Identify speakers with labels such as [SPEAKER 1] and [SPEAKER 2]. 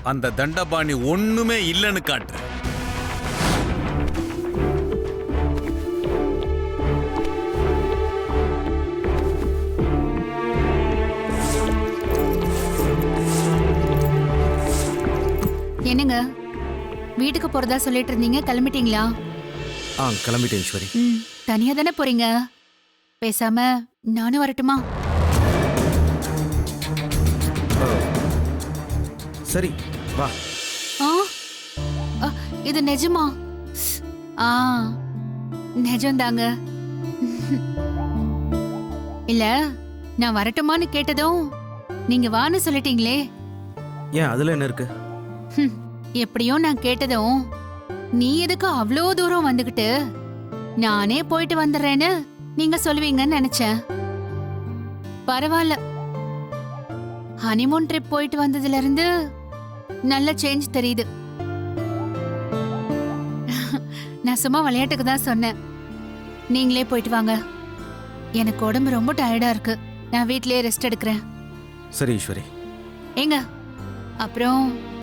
[SPEAKER 1] அந்த தண்டபாணி ஒண்ணுமே இல்லைன்னு காட்டு.
[SPEAKER 2] என்னங்க வீட்டுக்கு போறதா சொல்லிட்டு இருந்தீங்க, கிளம்பிட்டீங்களா?
[SPEAKER 3] கிளம்பிட்டேன் ஈஸ்வரி.
[SPEAKER 2] தனியா தானே போறீங்க? பேசாம நானும் வரட்டுமா?
[SPEAKER 3] சரி வா.
[SPEAKER 2] ஆ இது நிஜமா? ஆ நிஜம்தாங்க. இல்ல, நான் வரட்டுமான்னு கேட்டதும் நீங்க வான்னு சொல்லிட்டீங்களே.
[SPEAKER 3] ஏன் அதுல என்ன இருக்கு?
[SPEAKER 2] எப்படியோ நான் கேட்டதும் நீ எதுக்கு அவ்வளோ தூரம் வந்துகிட்டு நானே போயிட்டு வந்துடுறேன்னு நீங்க சொல்லுவீங்கன்னு நினைச்சேன். பரவாயில்ல, ஹனிமூன் ட்ரிப் போயிட்டு வந்ததுல இருந்து நல்ல சேஞ்ச் தெரியுது. நான் சும்மா விளையாட்டுக்கு தான் சொன்னேன். நீங்களே போயிட்டு வாங்க. எனக்கு உடம்பு ரொம்ப டயர்டா இருக்கு. நான் வீட்லயே ரெஸ்ட் எடுக்கிறேன்.
[SPEAKER 3] சரி ஈஸ்வரி.
[SPEAKER 2] ஏங்க, அப்புறம்